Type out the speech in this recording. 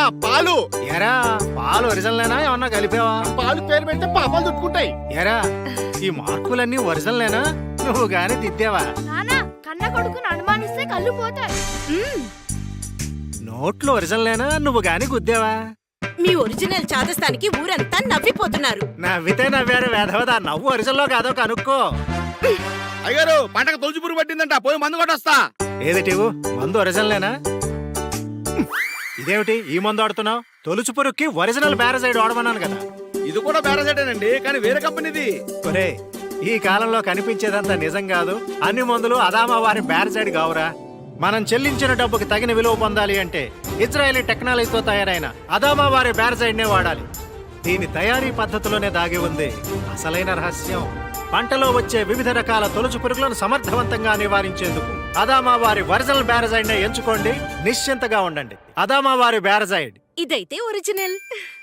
పాలు. ఎరా పాలు ఒరిజినలేనా ఏమన్నా కలిపావా? పాలు పేరు పెడితే పాపాలు చుట్టుకుంటాయి. ఎరా ఈ మార్కులన్నీ ఒరిజినలేనా నువ్వు గాని దిద్దావా? నానా కన్న కొడుకును అనుమానిస్తే కళ్ళు పోతాయి. నోట్లు ఒరిజినలేనా నువ్వు గాని గుద్దావా? మీ ఒరిజినల్ చాదస్తానికి ఊరంతా నవ్విపోతున్నారు. నవ్వితే నవ్వారు వేధవదా, నవ్వు ఒరిజినల్లో కాదో కనుక్కో. అయ్యారు పంటకు తొలిచి పురుగు పట్టిందంట, పోయి మందు కొట్టొస్తా. ఏదిటివు మందు ఒరిజినలేనా? ఇదేమిటి ఈ మందు ఆడుతున్నావు? తొలుచు పురుగుకి ఒరిజినల్ బ్యారసైడ్ వాడమన్నాను కదా. ఇది కూడా బేరసేటేనండి, కానీ వేరే కంపెనీది. ఒరే ఈ కాలంలో కనిపించేదంతా నిజం కాదు. అన్ని మందులు అదామా వారి బ్యారసైడ్ కావురా. మనం చెల్లించిన డబ్బుకి తగిన విలువ పొందాలి అంటే ఇజ్రాయలీ టెక్నాలజీతో తయారైన అదామా వారి బ్యారసైడ్ నే వాడాలి. దీని తయారీ పద్ధతిలోనే దాగి ఉంది అసలైన రహస్యం. పంటలో వచ్చే వివిధ రకాల తొలుచు పురుగులను సమర్థవంతంగా నివారించేందుకు అదామా వారి ఒరిజినల్ బ్యారసైడ్ నే ఎంచుకోండి. నిశ్చింతగా ఉండండి. అదామా వారి బ్యారసైడ్ ఇదైతే ఒరిజినల్.